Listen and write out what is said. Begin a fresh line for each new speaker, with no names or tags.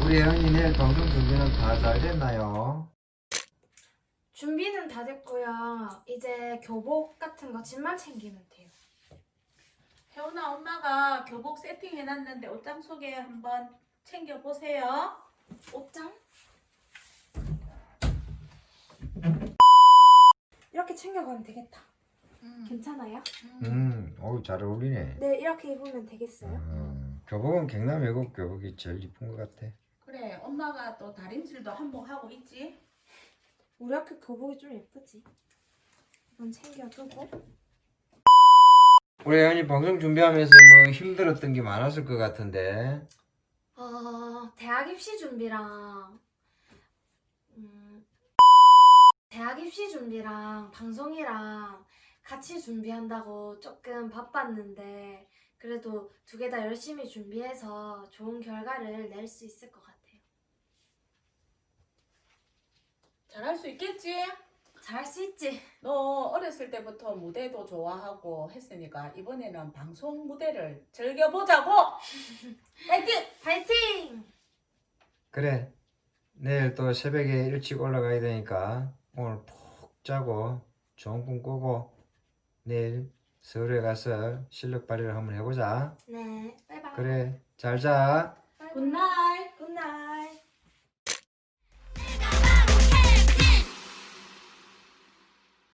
우리 혜연이 내일 방송 준비는 다 잘 됐나요?
준비는 다 됐고요. 이제 교복 같은 거 짐만 챙기면 돼요.
혜원아, 엄마가 교복 세팅해놨는데 옷장 속에 한번 챙겨보세요.
옷장? 이렇게 챙겨가면 되겠다. 괜찮아요?
어우 잘 어울리네.
네, 이렇게 입으면 되겠어요?
교복은 경남 외국 교복이 제일 이쁜 것 같아.
그래, 엄마가 또 다림질도 한몫하고 있지.
우리 학교 교복이 좀 예쁘지? 이건 챙겨두고.
우리 혜연이 방송 준비하면서 뭐 힘들었던 게 많았을 것 같은데.
대학 입시 준비랑 대학 입시 준비랑 방송이랑 같이 준비한다고 조금 바빴는데 그래도 두 개 다 열심히 준비해서 좋은 결과를 낼 수 있을 것 같아요.
잘할 수 있겠지?
잘할 수 있지?
너 어렸을 때부터 무대도 좋아하고 했으니까 이번에는 방송 무대를 즐겨보자고! 파이팅!
파이팅!
그래. 내일 또 새벽에 일찍 올라가야 되니까 오늘 푹 자고 좋은 꿈 꾸고 내일 서울에 가서 실력 발휘를 한번 해보자.
네, 바이바이.
그래. 잘 자.
바이바이.
굿나잇!